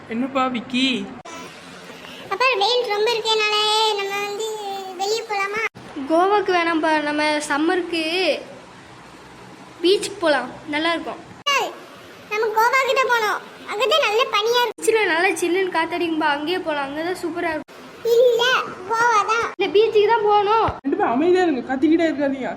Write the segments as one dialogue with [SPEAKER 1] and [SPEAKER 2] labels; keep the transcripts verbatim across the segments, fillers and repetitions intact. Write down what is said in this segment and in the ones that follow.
[SPEAKER 1] என்னப்பா விக்கி?
[SPEAKER 2] அப்பா வெயில் ரொம்ப இருக்கனால நம்ம வந்து வெளியே போலாமா?
[SPEAKER 3] கோவாக்கு வேணாம்ப்பா, நம்ம சம்மருக்கு பீச்சுக்கு போகலாம், நல்லா இருக்கும்.
[SPEAKER 2] நம்ம கோவா கிட்ட போனோம், அங்கதான் நல்ல பனியா இருக்கு.
[SPEAKER 3] பீச்சில் நல்லா சில்லுன்னு காத்தடிக்கும்பா, அங்கேயே போகலாம், அங்கே தான் சூப்பராக இருக்கும்.
[SPEAKER 2] இல்ல கோவா தான்.
[SPEAKER 3] இல்லை பீச்சுக்கு தான் போகணும்.
[SPEAKER 1] ரெண்டு பேரும் அமைதியாக இருங்க, கத்திக்கிட்டே இருக்காதீங்க.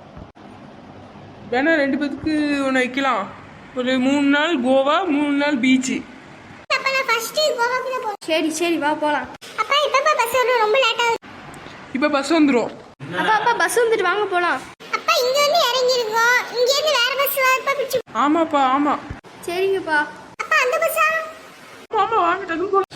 [SPEAKER 1] வேணா ரெண்டு பேத்துக்கு ஒன்று வைக்கலாம். ஒரு மூணு நாள் கோவா, மூணு நாள் பீச்சு.
[SPEAKER 2] அப்ப நான் ஃபர்ஸ்ட் கோவாக்கு தான் போறேன்.
[SPEAKER 3] சரி சரி வா போகலாம்.
[SPEAKER 2] அப்பா இப்ப பஸ் வரும், ரொம்ப லேட் ஆகுது.
[SPEAKER 1] இப்போ பஸ் வந்துடும்.
[SPEAKER 3] அப்பா அப்பா பஸ் வந்துட்டு வாங்க போகலாம்.
[SPEAKER 2] அப்பா இங்க வந்து இறங்கி இருக்கோம், இங்க இருந்து வேற பஸ் வரப்ப பிடிச்சு.
[SPEAKER 1] ஆமாப்பா ஆமாம்.
[SPEAKER 3] சரிங்கப்பா.
[SPEAKER 2] அப்பா அந்த பஸ்ஸா?
[SPEAKER 1] ஆமாம் வாங்க டக்குன்னு போகலாம்.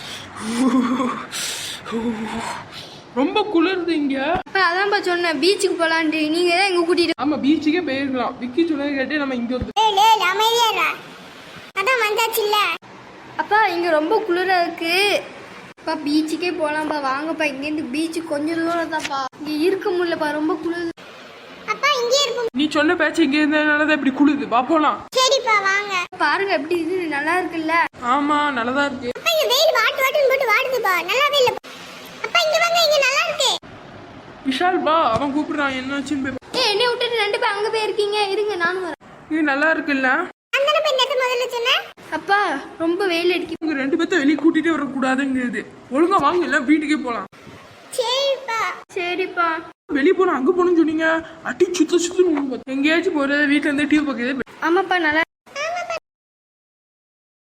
[SPEAKER 1] ரொம்ப குளிருது இங்கே.
[SPEAKER 3] அப்பா அதான்ப்பா சொன்னேன் பீச்சுக்கு போகலான்ட்டு, நீங்கள் தான் எங்கே கூட்டிகிட்டு.
[SPEAKER 1] ஆமாம் பீச்சுக்கே போயிருக்கலாம். விக்கி சொன்னது கேட்டு நம்ம இங்கே வந்து.
[SPEAKER 2] ஏய் லே அமைதியா இருடா, அதான் வந்தாச்சு இல்ல.
[SPEAKER 3] அப்பா இங்கே ரொம்ப குளிராக இருக்கு. அப்பா பீச்சுக்கே போகலாம்ப்பா, வாங்கப்பா. இங்கேருந்து பீச்சு கொஞ்சம் தூரம் தான்ப்பா, இங்கே இருக்க முடியலப்பா, ரொம்ப குளிர்.
[SPEAKER 2] அப்பா இங்கே இருப்போம்.
[SPEAKER 1] நீ சொன்ன பேச்சு இங்கே இருந்ததுனால தான் இப்படி குளிருது. வா போகலாம்.
[SPEAKER 2] சரிப்பா வாங்க.
[SPEAKER 3] பாருங்க எப்படி இது நல்லா இருக்குல்ல.
[SPEAKER 1] ஆமாம் நல்லதா இருக்கு.
[SPEAKER 2] அப்பா இங்க வெயில் வாட்டு வாட்டுன்னு போட்டு வாடுதுப்பா, நல்லாவே இல்ல. அப்பா இங்க வாங்க, இங்க நல்லா இருக்கு.
[SPEAKER 1] விஷால் வா, அவன் கூப்பிடுறான் என்னாச்சுன்னு போய்.
[SPEAKER 3] ஏ என்னை விட்டுட்டு ரெண்டு பேர் அங்கே போயிருக்கீங்க, இருங்க நானும் வரேன்.
[SPEAKER 1] இது நல்லா இருக்குல்ல?
[SPEAKER 2] அந்த பெண் எது முதல்ல சொன்னேன்.
[SPEAKER 3] அப்பா ரொம்ப வெயில் அடிக்கும்.
[SPEAKER 1] உங்க ரெண்டு பேர்த்த வெளியே கூட்டிகிட்டே வரக்கூடாதுங்கிறது. ஒழுங்கா வாங்க, இல்லை வீட்டுக்கே போகலாம்.
[SPEAKER 2] சரிப்பா.
[SPEAKER 3] சரிப்பா.
[SPEAKER 1] வெளியே போனா அங்கே போகணும்னு சொன்னீங்க. அடி சுத்த சுத்த எங்கேயாச்சும் போகிறது, வீட்டில் இருந்து டிவி பார்க்கறது.
[SPEAKER 3] ஆமாப்பா நல்லா